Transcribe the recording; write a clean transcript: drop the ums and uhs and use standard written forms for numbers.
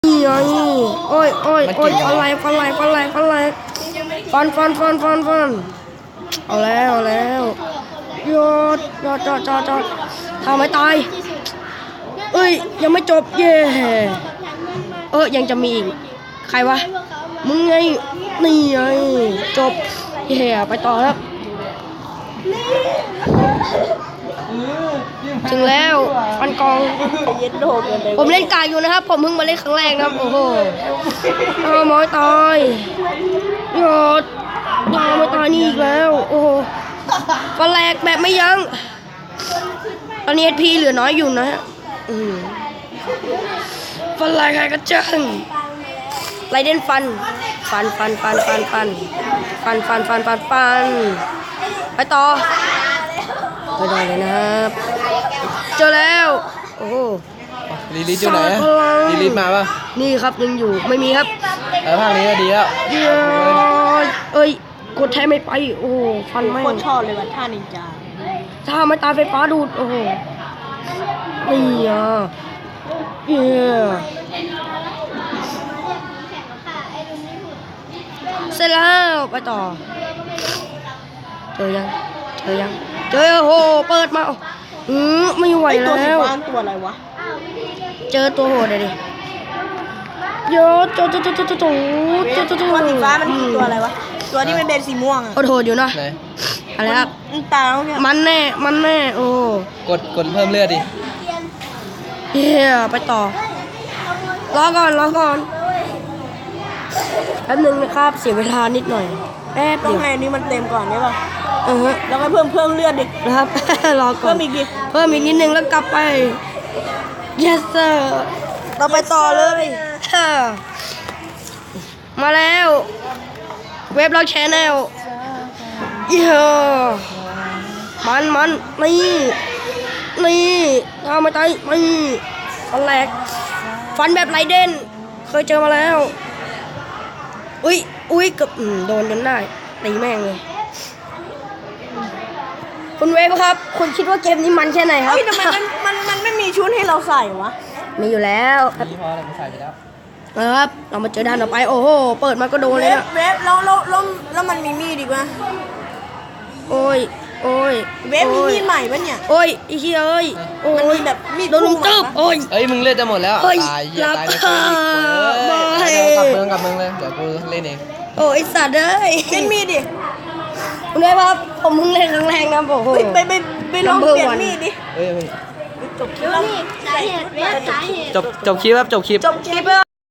นี่ไงโอ้ยโอ้ยโอ้ยฟันไหลฟันไหลฟันไหลฟันไหลฟันเอาแล้วยอดทำไม่ตายเอ้ยยังไม่จบเย่ยังจะมีอีกใครวะมึงไงนี่ไงจบเย่ไปต่อครับถึงแล้วฟันกองผมเล่นกากอยู่นะครับผมเพิ่งมาเล่นครั้งแรกนะครับโอ้โหมอยตายยอดไม่ตายนี่อีกแล้วโอ้โหฟันแหลกแบบไม่ยั้งตอนนี้ HP เหลือน้อยอยู่นะฮะฟันแหลกใครก็จังไรเด่นฟันไปต่อไปได้เลยนะครับเจอแล้วโอ้โหลีลิทอยู่ไหนลีลิทมาป่ะนี่ครับยังอยู่ไม่มีครับภาคนี้ก็ดีแล้วกดแทนไม่ไปโอ้โหฟันไม่โคตรชอบเลยว่ะท่านินจาถ้าไม่ตาไฟฟ้าดูดโอ้โหนี่เสร็จแล้วไปต่อเจอยังเจอโอ้โหเปิดมาไม่ไหวแล้วตัวอะไรวะเจอตัวโหดเลยดิโยตัวสีฟ้ามันคือตัวอะไรวะตัวที่มันเป็นสีม่วงอะโหดอยู่เนาะอะไรครับตาเนี่ยมันแน่โอ้กดเพิ่มเลือดดิไปต่อรอก่อนแป๊บนึงนะครับเสียเวลานิดหน่อยแป๊บเดียวต้องให้นี่มันเต็มก่อนได้ป่ะแล้วก็เพิ่มเลือดดินะครับรอก่อนเพิ่มอีกนิดนึงแล้วกลับไป yes sir เราไปต่อเลยมาแล้วเว็บเราแชนแนลมันนี่ทำไม่ตายนี่ฟันแหลกฟันแบบไรเด่นเคยเจอมาแล้วอุ้ยเกือบโดนจนได้ตีแม่งเลยคุณเวฟครับคุณคิดว่าเกมนี้มันแค่ไหนครับทำไมมันไม่มีชุดให้เราใส่วะมีอยู่แล้วมีพออะไรมาใส่ไปแล้วครับเรามาเจอด้านต่อไปโอ้โหเปิดมาก็โดนเลยนะเวฟแล้วมันมีมีดดีกว่าโอ้ยเวฟมีมีดใหม่ปะเนี่ยโอ้ยอีเหี้ยมันมีแบบมีดโดนลุมตึ๊บโอ้ยมึงเล่นจะหมดแล้วตายในเกมกลับเมืองเลยเดี๋ยวกูเล่นเองโอ้ยสัตว์เป็นมีดดิคุณได้ป่ะผมเพิ่งเล่นครั้งแรกนะโอ้โหไปลองเปลี่ยนมีดดิจบคลิปครับจบคลิป